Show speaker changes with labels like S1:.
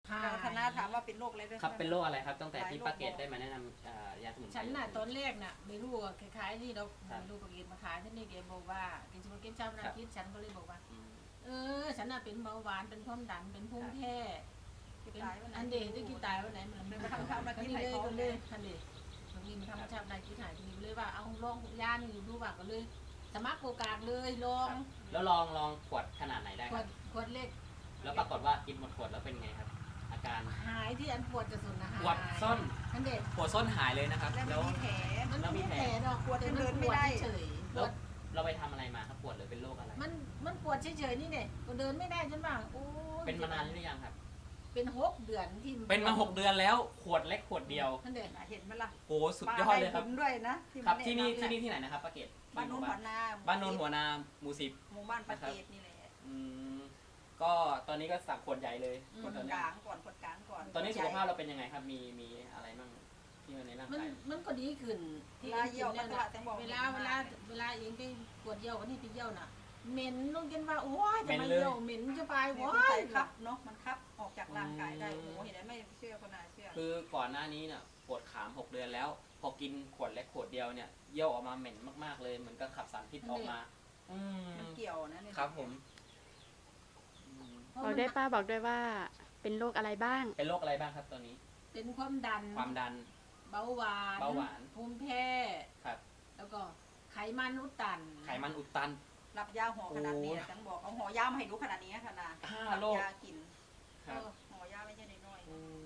S1: คณะถามว่าเป็นโรคอะไรด้วย
S2: ครับเป็นโรคอะไรครับตั้งแต่ที่ป้าเกตได้มาแนะนำยาสมุนไพร
S3: ฉันน่ะตอนแรกน่ะไม่รู้ว่าคล้ายๆนี่เราไม่รู้ปากเกตมาขายที่นี่แกบอกว่าแกจะมาเก็บเจ้าหน้าที่ฉันก็เลยบอกว่าฉันน่ะเป็นเบาหวานเป็นความดันเป็นภูมิแพ้อันเดย์ที่กินตายวันไหนมันมาทำชาบนาคิดหายก็เลยอันเดย์ตรงนี้มันทำชาบนาคิดหายทีนี้เลยว่าเอาลองยานี่ดูว่าก็เลยสมัครโอกาสเลยลอง
S2: แล้วลองขวดขนาดไหนได้ครับ
S3: ขวดเล็ก
S2: แล้วปรากฏว่ากินหมดขวดแล้วเป็นไงครับอาการ
S3: หายที่อันปวดจะสุดนะหาย
S2: ปวดส้น
S3: อันเด็ก
S2: ปวดส้นหายเลยนะครับ
S1: แล้วมีแผล
S3: มันไม่แผลดอกปวดเดินไม่ได้เฉยปวด
S2: เราไปทำอะไรมาครับปวดหรือเป็นโรคอะไร
S3: มันปวดเฉยๆนี่เนี่ยก็เดินไม่ได้จนว่าโอ้
S2: เป็นมานานหรือยังครับ
S3: เป็น6 เดือนที่
S2: เป็นมา6 เดือนแล้วขวดเล็กขวดเดียว
S3: อันเด็ก
S1: เห็นไหมล่ะ
S2: โอ้สุดยอดเลยครับ
S1: ด้วยนะครับ
S2: ที่นี่ที่ไหนนะครับป้าเกต
S1: บ้านโนนหัวนา
S2: บ้านโนนหัวนาหมู่10
S1: หมู่บ้านป้าเกตนี่แหละ
S2: ก็ตอนนี้ก็สั่งขวดใหญ่เลย
S1: คนกลางก่อน
S2: ตอนนี้สุขภาพเราเป็นยังไงครับมีอะไรบ้างที่มันในร่างกาย
S3: มันก็ดีขึ้นที่เยี่ยวเนี่ยเวลาเองไปปวดเยี่ยววันนี้ไปเยี่ยวน่ะเหม็นลงกันว่าโอ้ยจะมาเยี่ยวเหม็นจะไปโอ้ย
S1: ครับเนาะมันคับออกจากร่างกายได้โอ้เห็นไหมไม่เชื่อก็น่าเชื่อ
S2: คือก่อนหน้านี้เนี่ยปวดขาม6 เดือนแล้วพอกินขวดเล็กขวดเดียวเนี่ยเยี่ยวออกมาเหม็นมากๆเลยเหมือนกับขับสารพิษออกมา
S1: มันเกี่ยวนะครับ
S2: ผม
S4: บอกได้ป้าบอกด้วยว่าเป็นโรคอะไรบ้าง
S2: เป็นโรคอะไรบ้างครับตอนนี้
S3: เป็นความดันเบาหวานภูมิแพ้
S2: ครับ
S3: แล้วก็ไขมันอุดตัน
S1: รับยาห่อขนาดนี้จังบอกเอาห่อยามาให้ดูขนาดนี้ขนาด
S2: 5 โรค
S1: ยากินห่อยาไม่ใช่น้อย